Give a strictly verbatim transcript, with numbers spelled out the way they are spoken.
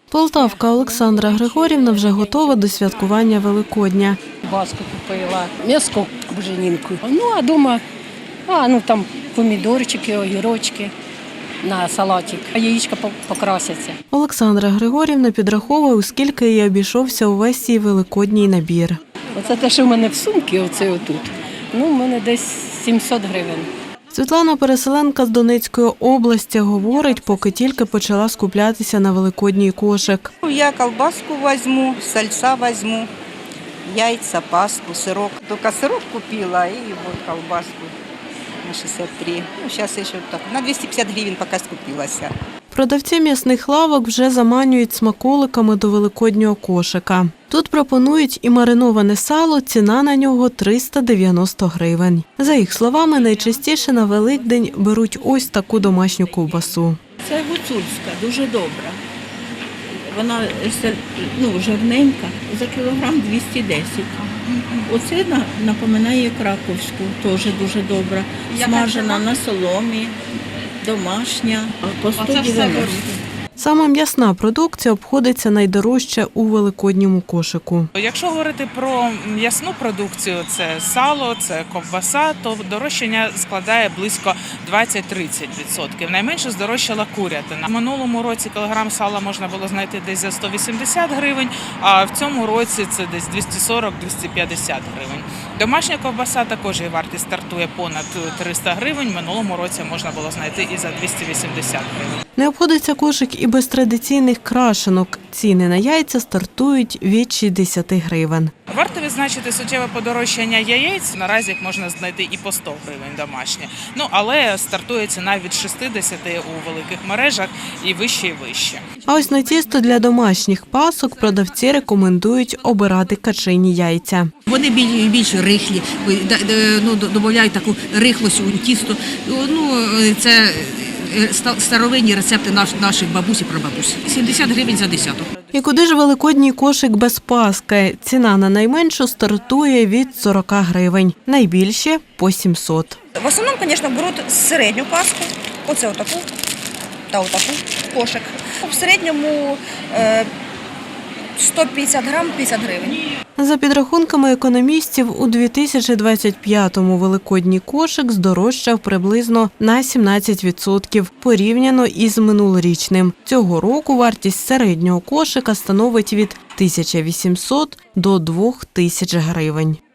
Полтавка Олександра Григорівна вже готова до святкування Великодня. Баску купила, м'яско буженінку. Ну, а дома, а, ну, там помідорчики, огірочки на салатик, а яєчка покрасяться. Олександра Григорівна підраховує, у скільки їй обійшовся увесь цей великодній набір. Оце те, що в мене в сумці, оце отут, ну, в мене десь сімсот гривень. Світлана, переселенка з Донецької області, говорить, поки тільки почала скуплятися на великодній кошик. Я колбаску візьму, сальця візьму, яйця, паску, сирок. Тільки сирок купила і вот колбаску на шістдесят три. Ну, зараз ще так, на двісті п'ятдесят гривень поки скупилася. Продавці м'ясних лавок вже заманюють смаколиками до великоднього кошика. Тут пропонують і мариноване сало, ціна на нього триста дев'яносто гривень. За їх словами, найчастіше на Великдень беруть ось таку домашню ковбасу. Це гуцульська, дуже добра. Вона ну, жирненька, за кілограм двісті десять. Оце напоминає краковську, теж дуже добра. Смажена на соломі, домашня, по сто дев'яносто. Саме м'ясна продукція обходиться найдорожче у великодньому кошику. Якщо говорити про м'ясну продукцію, це сало, це ковбаса, то дорожчання складає близько двадцять-тридцять відсотків. Найменше здорожчала курятина. В минулому році кілограм сала можна було знайти десь за сто вісімдесят гривень, а в цьому році це десь двісті сорок - двісті п'ятдесят гривень. Домашня ковбаса також її вартість стартує понад триста гривень. В минулому році можна було знайти і за двісті вісімдесят гривень. Не обходиться кошик і без традиційних крашенок. Ціни на яйця стартують від шістдесят гривень. Варто відзначити суттєве подорожчання яєць. Наразі їх можна знайти і по сто гривень домашні. Ну, але стартує ціна від шістдесят у великих мережах і вище, і вище. А ось на тісто для домашніх пасок продавці рекомендують обирати качині яйця. Вони більш, більш рихлі, ну, додають таку рихлость у тісто. Ну, це старовинні рецепти наших бабусь і прабабусь. сімдесят гривень за десяток. І куди ж великодній кошик без паски? Ціна на найменшу стартує від сорок гривень, найбільші – по сімсот. В основному, звісно, беруть середню паску, оце отаку та отаку кошик. В середньому сто п'ятдесят грам – п'ятдесят гривень. За підрахунками економістів, у дві тисячі двадцять п'ятому великодній кошик здорожчав приблизно на сімнадцять відсотків порівняно із минулорічним. Цього року вартість середнього кошика становить від тисячі вісімсот до двох тисяч гривень.